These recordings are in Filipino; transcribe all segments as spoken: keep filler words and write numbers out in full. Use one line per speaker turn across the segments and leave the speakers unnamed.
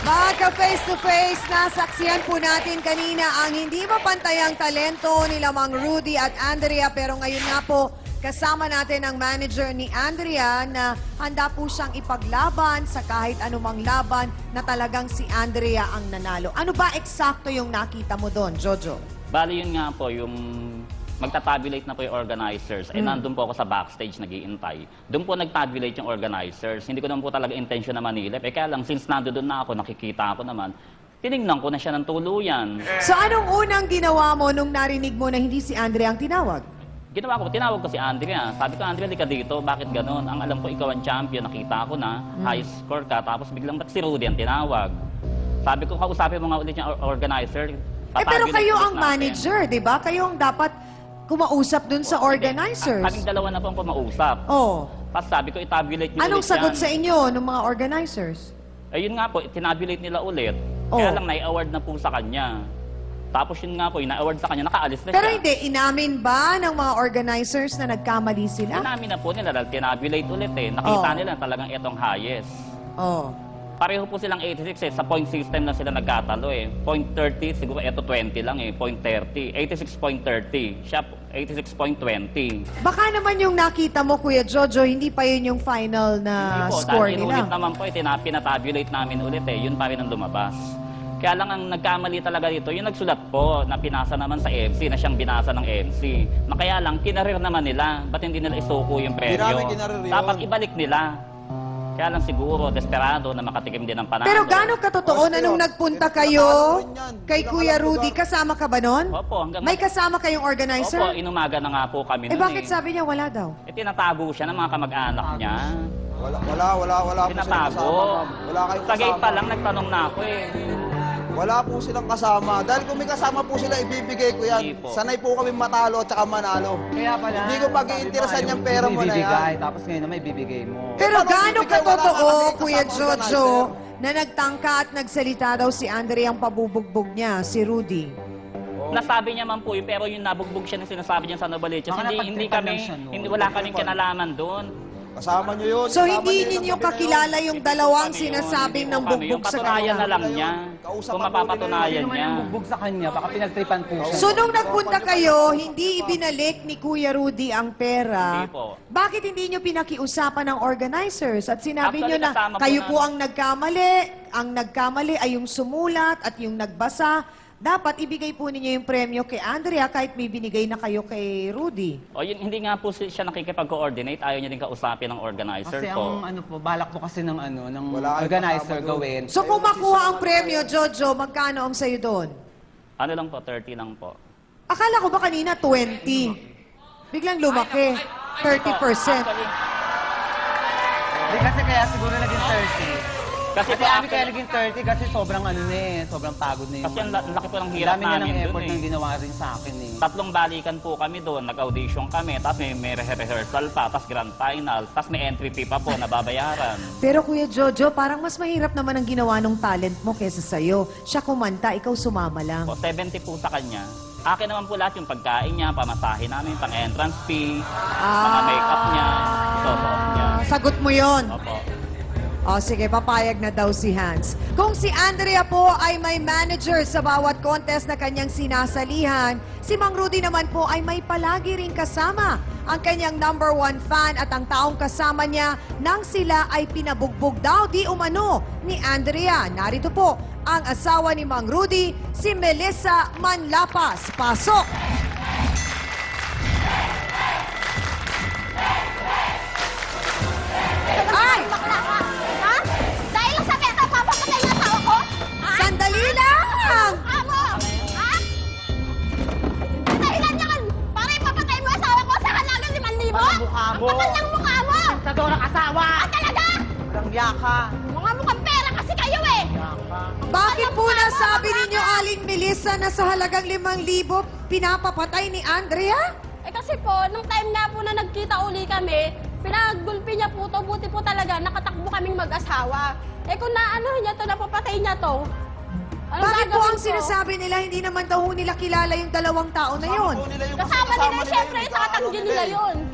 Magka face-to-face, nasaksiyan po natin kanina ang hindi mapantayang talento nila Mang Rudy at Andrea. Pero ngayon nga po, kasama natin ang manager ni Andrea na handa po siyang ipaglaban sa kahit anumang laban na talagang si Andrea ang nanalo. Ano ba eksakto yung nakita mo doon, Jojo?
Bali yun nga po, yung magta-tabulate na po yung organizers. Mm. Eh, nandun po ako sa backstage nag-iintay. Doon po nag-tabulate yung organizers. Hindi ko naman po talaga intention na manilip. Eh, kaya lang, since nandun na ako, nakikita ako naman, tinignan ko na siya ng tuluyan.
So, anong unang ginawa mo nung narinig mo na hindi si Andrea ang tinawag?
Ginawa ko, tinawag ko si Andrea. Sabi ko, Andrea, lika dito. Bakit ganun? Ang alam ko, ikaw ang champion. Nakita ko na, mm. high score ka. Tapos biglang, ba't si Rudy ang tinawag? Sabi ko, kausapin mo nga ulit yung organizer.
Eh, pero kayo ang manager, di ba? Kayo ang dapat kumausap dun sa organizers.
Kaming dalawa na po ang kumausap.
Oh.
Tapos sabi ko, itabulate niyo
Anong
ulit
sagot
yan.
sa inyo ng mga organizers?
Ayun nga po, tinabulate nila ulit.
Oh.
Kaya lang, nai-award na po sa kanya. Tapos yun nga po, ina-award sa kanya, nakaalis na
Pero
siya.
hindi, inamin ba ng mga organizers na nagkamali sila?
Inamin na po nila dahil tinabulate ulit eh. Nakita
Oh.
nila talagang itong highest.
Oh.
Pareho po silang eighty-six eh. Sa point system lang sila nagkatalo eh. point thirty, siguro ito twenty lang eh. point thirty. eighty-six point thirty. Siya eighty-six point twenty.
Baka naman yung nakita mo, Kuya Jojo, hindi pa yun yung final na
Hindi po,
score
dahil
nila.
inulit naman po, eh, tina- pinatabulate namin ulit eh. Yun pa rin ang lumabas. Kaya lang ang nagkamali talaga dito, yung nagsulat po na pinasa naman sa M C, na siyang binasa ng M C. Na kaya lang, kinarir naman nila. Ba't hindi nila isuko yung premyo?
namin kinarir yun.
Dapat ibalik nila. Kaya lang siguro, desperado na makatikim din ng panalo.
Pero gano'ng katotoo na nung nagpunta kayo kay Kuya Rudy, kasama ka ba nun?
Opo, hanggang...
May kasama kayong organizer?
Opo, inumaga na nga po kami
Eh
nun
bakit sabi niya wala daw?
Eh, tinatago siya ng mga kamag-anak niya.
Wala, wala, wala, wala po silang
Tinatago.
kasama, ma'am. Wala kayong
Sa gate
kasama.
pa lang, nagtanong na ako eh.
Wala po silang kasama. Dahil kung may kasama po sila, ibibigay ko yan.
Hindi po.
Sanay po kami matalo at saka manalo.
Kaya pala,
Hindi ko pag-iinteresan yung pera mo na
ibibigay,
yan.
tapos ngayon naman ibibigay mo.
Pero
paano
gano'ng
bibigay? Wala ka
katotoo,
kasi
Kuya
kasama
Jojo,
organizer.
na nagtangka at nagsalita daw si Andrea ang pabubugbog niya, si Rudy?
Nasabi niya man po yun, pero yung nabugbog siya na sinasabi niya sa Novaliches,
Baka
hindi, hindi
napagtripan
kami,
lang siya, no?
hindi, wala kaming kinalaman doon.
Kasama nyo yun.
So
Kasama
hindi
nyo yun
ninyo
sa gabi na
kakilala
yun.
yung
Hindi po
dalawang
kami yun,
sinasabing
hindi
ng
po kami
bugbog
yun.
sa
Patunayan
kanya?
na lang niya.
Kausap
Kung
ako
mapapatunayan
Sino man
niya.
yung bugbog sa kanya, baka pinagtripan po siya.
So nung nagpunta kayo, hindi ibinalik ni Kuya Rudy ang pera.
Hindi po.
Bakit hindi nyo pinakiusapan ng organizers at sinabi
Actually,
nyo na
kasama po
kayo
na-
po ang nagkamali, ang nagkamali ay yung sumulat at yung nagbasa. Dapat ibigay po ninyo yung premyo kay Andrea kahit may binigay na kayo kay Rudy.
O yun, hindi nga po si- siya nakikipag-coordinate, ayaw niya din kausapin ng organizer
Kasi
po.
ang ano po, balak po kasi ng ano, ng
Wala kayong
organizer
kasama doon.
gawin.
So kung makuha ang premyo, Jojo, magkano ang sa'yo doon?
Ano lang po, thirty lang po.
Akala ko ba kanina twenty? Biglang lumaki. thirty percent.
Actually,
Hindi kasi kaya siguro naging thirty.
kasi,
Kasi
po,
amin kaya
actually,
naging thirty kasi sobrang ano na eh, sobrang pagod na yung...
kasi ang la- laki po ng
Ang
hirap
dami na
namin
ng
doon
effort
eh.
ng ginawa rin sa akin eh.
Tatlong balikan po kami doon, nag-audition kami, tapos may, may rehearsal pa, tapos grand final, tapos may entry fee pa po na babayaran.
Pero Kuya Jojo, parang mas mahirap naman ang ginawa ng talent mo kesa sa'yo. Siya kumanta, ikaw sumama lang.
Po, seventy po sa kanya. Akin naman po lahat yung pagkain niya, pamasahe namin, pang entrance fee, mga makeup niya, susuot niya.
Sagot mo yon.
Opo.
O sige, papayag na daw si Hans. Kung si Andrea po ay may manager sa bawat contest na kanyang sinasalihan, si Mang Rudy naman po ay may palagi ring kasama ang kanyang number one fan at ang taong kasama niya nang sila ay pinabugbog daw di umano ni Andrea. Narito po ang asawa ni Mang Rudy, si Melissa Manlapas. Pasok! Ay!
Ha? Dahil lang sa peta, papapatay na tao ko? Ha?
Sandali lang!
Amo! Ha? Dahilan niya kan, para ipapatay mo asawa ko sa halagang limang libo?
Ang mukha mo.
Ang kapal ng mukha mo!
Sa dorang asawa!
Ah, talaga?
Walang yaka!
Mga mukhang pera kasi kayo eh!
Yaka!
Bakit po nasabi ninyo, Aling Melissa, na sa halagang limang libo pinapapatay ni Andrea?
Eh kasi po, nung time nga po na nagkita uli kami, pinaggulpi niya po to, buti po talaga, nakatakbo kaming mag-asawa. Eh kung naano niya to, napapatay niya to, ano
Bakit po ang
gagawin ko?
sinasabi nila hindi naman daw ho nila kilala yung dalawang tao na yun?
Kasama po nila yung
Kasama nila,
kasama
syempre,
yung
sa katanggi
ano
nila
eh.
yun.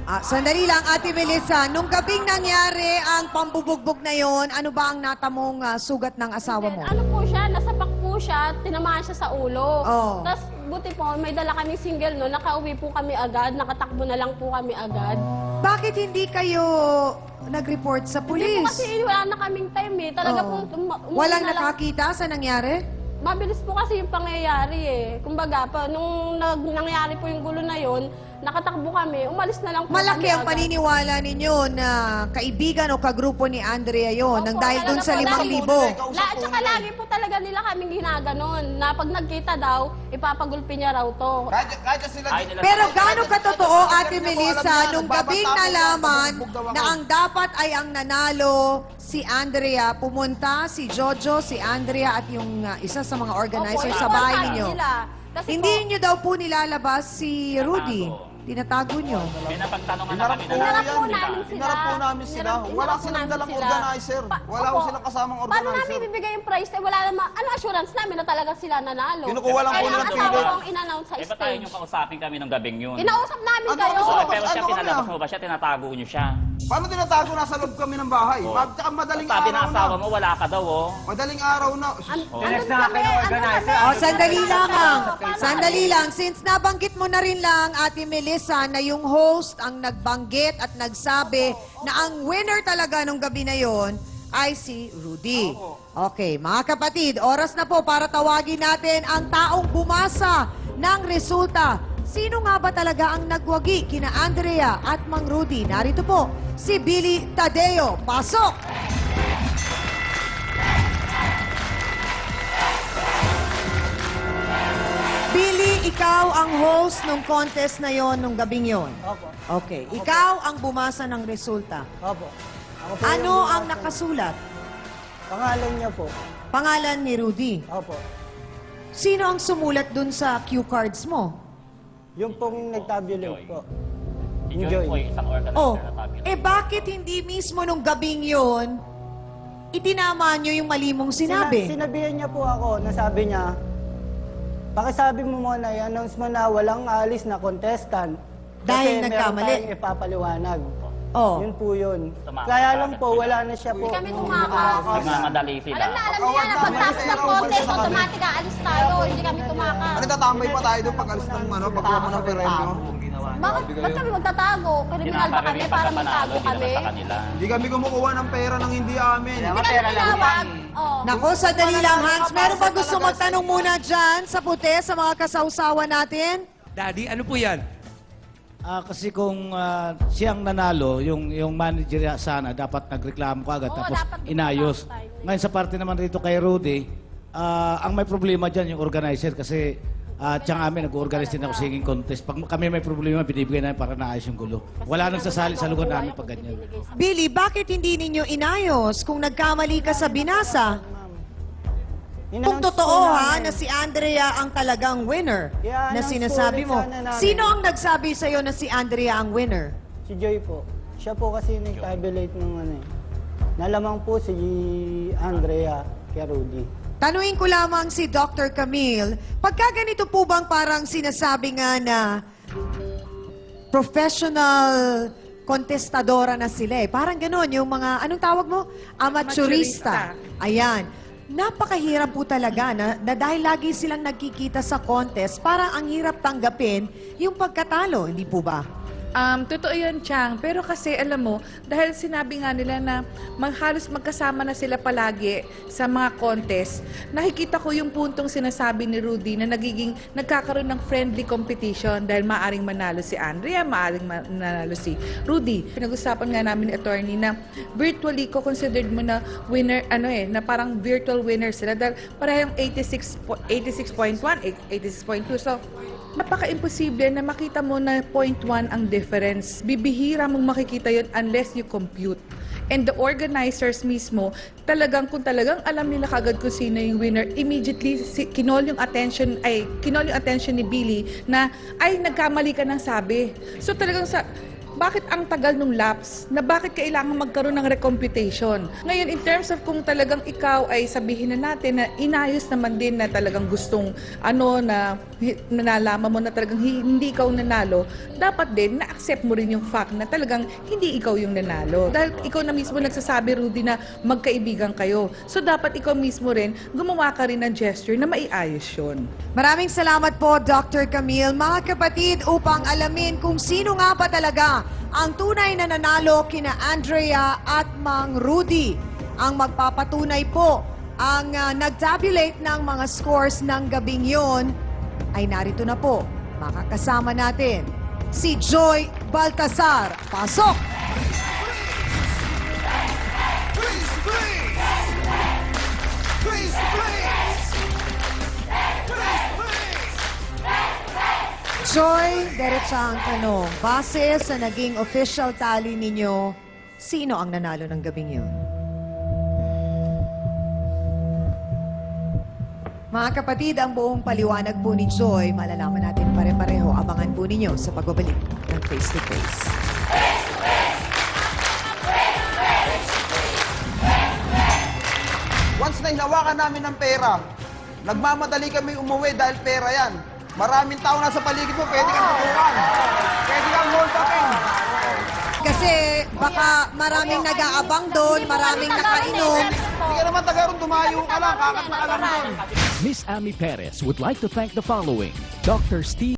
Ah, sandali lang, Ate Melissa. Nung gabing nangyari ang pambubugbog na yon, ano ba ang natamong ah, sugat ng asawa mo?
Ano po siya, nasapak po siya, tinamaan siya sa ulo.
Oh.
Tapos buti po, may dala kaming single no, nakauwi po kami agad, nakatakbo na lang po kami agad.
Bakit hindi kayo nag-report sa
Hindi po
pulis?
kasi wala na kaming time eh. Talaga
Oo.
po, um, umuwi
Walang
na lang.
nakakita sa nangyari?
Mabilis po kasi yung pangyayari eh. Kumbaga, pa, nung nag, nangyari po yung gulo na yon, nakatakbo kami, umalis na lang po
Malaki
kami
ang
agad.
paniniwala ninyo na kaibigan o kagrupo ni Andrea yon nang
Opo,
dahil dun
talaga
sa
po,
limang
lagi-
libo.
La, at saka lagi po talaga nila kaming ginaganon na pag nagkita daw, ipapagulpi niya raw to.
Kahit, kahit sila...
Ay, nila-
Pero gaano katotoo, Ate
Hindi ko alam
Melissa,
yan.
nung
Nagbabanta
gabing
ako yan,
nalaman
pabugbog daw ako.
na ang dapat ay ang nanalo si Andrea, pumunta si Jojo, si Andrea at yung uh, isa sa mga organizer
Opo,
sa
yun po
bahay
ang
ninyo.
sabi nila. Kasi
Hindi
po,
nyo daw po nilalabas si Rudy.
Tinatago.
Tinatago nyo.
May napagtanungan na
Inarap
kami
po
na
Inarap po
yan.
namin sila.
Inarap po namin sila.
Inarap-
Wala
inarap po
silang
namin
dalang
sila.
organizer.
Pa-
Wala
opo.
ko silang kasamang
Paano
organizer.
namin bibigay yung prize? Eh, wala naman, ano assurance namin na talaga sila nanalo?
Kinukuha lang po
Kaya
nila
ang
ng
asawa
figure.
ko ang in-announce sa
Eh, ba't tayo
stage.
nyo kausapin kami nung gabing yun?
Inausap namin
Ano,
kayo.
ano,
Oo, pero siya,
Ano kami,
pinalabas
ah?
mo ba siya? Tinatago nyo siya.
Paano tinatago? Nasa loob kami ng bahay.
Oo.
Mag, tsaka madaling
Sabi
araw
ng asawa
na.
mo, wala ka daw, oh.
Madaling araw na.
An-
Oh.
andun
Text na
kami,
akin ng
andun
organizer.
kami.
O, sandali lamang.
Paano?
Sandali lang. Since nabanggit mo na rin lang, Ate Melissa, na yung host ang nagbanggit at nagsabi na ang winner talaga nung gabi na yon ay si Rudy. Okay, mga kapatid, oras na po para tawagin natin ang taong bumasa ng resulta. Sino nga ba talaga ang nagwagi kina Andrea at Mang Rudy? Narito po, si Billy Tadeo. Pasok! Billy, ikaw ang host ng contest na yon nung gabing yon.
Opo.
Okay. Ikaw ang bumasa ng resulta.
Opo. Ako po
Ano
yung
ang
bumasa.
nakasulat?
Pangalan niya po.
Pangalan ni Rudy.
Opo.
Sino ang sumulat dun sa cue cards mo?
Yung pong nagtabulate
Joy.
po.
Si
Yung
Joy
Joy.
po ay isang organizer
Oh,
na tabi.
eh bakit hindi mismo nung gabing yon itinama nyo yung mali mong sinabi?
Sina- sinabihan niya po ako, nasabi niya, pakisabi mo muna, i-announce mo na walang alis na contestant.
Dahil
Kasi
nagkamali.
meron tayong ipapaliwanag.
Oh.
Yun po yun.
Tumakas
Kaya
ka
lang
agad
po,
sila.
wala na siya po.
Hindi kami tumakas.
Nagmamadali sila.
Alam na, alam niya
Pagkawag
na
namin
pagtapos
sa
ng
ero,
contest,
sa kami.
automatic aalis tayo. Hindi kami tumakas.
Ano tatambay pa tayo doon pag alis ng ano, pagkuha mo ng premyo?
Bakit, ba't kami magtatago? Kriminal ba kami para magtago kami?
Sa kanila.
Hindi kami kumukuha ng pera ng hindi amin.
Hindi kami tinawag. Oh.
Nako, sandali lang, Hans. Meron ba gusto magtanong muna dyan sa puti, sa mga kasawsawa natin?
Daddy, ano po yan?
Ah, kasi kung ah, siyang nanalo, yung yung manager niya sana dapat nagreklamo ka agad
Oo,
tapos
dapat
inayos.
nagreklamo tayo.
Ngayon sa parte naman rito kay Rudy, ah, ang may problema diyan yung organizer kasi uh, tiyang amin nag-organize din ako singing contest. Pag kami may problema, binibigay namin para naayos yung gulo. Wala nang sasali sa lugar namin pag ganyan.
Billy, bakit hindi ninyo inayos kung nagkamali ka sa binasa? Kung
In-announce
totoo
po
ha,
namin.
na si Andrea ang talagang winner
Yeah,
na
announce
sinasabi
po
mo.
ulit sana namin.
Sino ang nagsabi sa'yo na si Andrea ang winner?
Si Joy po. Siya po kasi nag-tabulate ng ano eh. Nalamang po si Andrea kay Rudy.
Tanuin ko lamang si Doctor Camille, pagka ganito po bang parang sinasabi nga na professional kontestadora na sila eh. Parang ganon, yung mga, anong tawag mo? Amateurista. Ayan. Napakahirap po talaga na, na dahil lagi silang nagkikita sa contest, parang ang hirap tanggapin yung pagkatalo, hindi po ba?
Um, totoo yun, Chang. Pero kasi, alam mo, dahil sinabi nga nila na mag, halos magkasama na sila palagi sa mga contest, nakikita ko yung puntong sinasabi ni Rudy na nagiging, nagkakaroon ng friendly competition dahil maaring manalo si Andrea, maaring manalo si Rudy. Pinag-usapan nga namin ni attorney na virtually ko considered mo na winner, ano eh, na parang virtual winner sila dahil parehong eighty-six point one, eighty-six point two. So, napaka-imposible na makita mo na zero point one ang difference. Bibihira mong makikita yun unless you compute. And the organizers mismo, talagang kung talagang alam nila kagad kung sino yung winner, immediately si, kinol yung attention, ay, kinol yung attention ni Billy na, ay, nagkamali ka ng sabi. So talagang sa, bakit ang tagal nung lapse na bakit kailangan magkaroon ng recomputation? Ngayon, in terms of kung talagang ikaw ay sabihin na natin na inayos naman din na talagang gustong ano na hi- nalalaman mo na talagang hi- hindi ikaw nanalo, dapat din na-accept mo rin yung fact na talagang hindi ikaw yung nanalo. Dahil ikaw na mismo nagsasabi, Rudy, na magkaibigan kayo. So, dapat ikaw mismo rin gumawa ka rin ng gesture na maiayos yun.
Maraming salamat po, Doctor Camille. Mga kapatid, upang alamin kung sino nga ba talaga ang tunay na nanalo kina Andrea at Mang Rudy, ang magpapatunay po ang uh, nag-tabulate ng mga scores ng gabing yon, ay narito na po. Makakasama natin si Joy Baltasar. Pasok! Joy, diretsa ang tanong. Base sa naging official tally ninyo, sino ang nanalo ng gabing yun? Mga kapatid, ang buong paliwanag po ni Joy, malalaman natin pare-pareho. Abangan po ninyo sa pagbabalik ng Face to Face.
Once na hinawakan namin ng pera, nagmamadali kami umuwi dahil pera yan. Maraming tao nasa paligid mo, pwede kang tutukan. Pwede kang hold upin.
Kasi baka maraming nag-aabang doon, maraming nakainom.
Hindi ka naman taga ron, dumayo ka lang, kakanta ka lang doon.
Miss Amy Perez would like to thank the following: Doctor Steve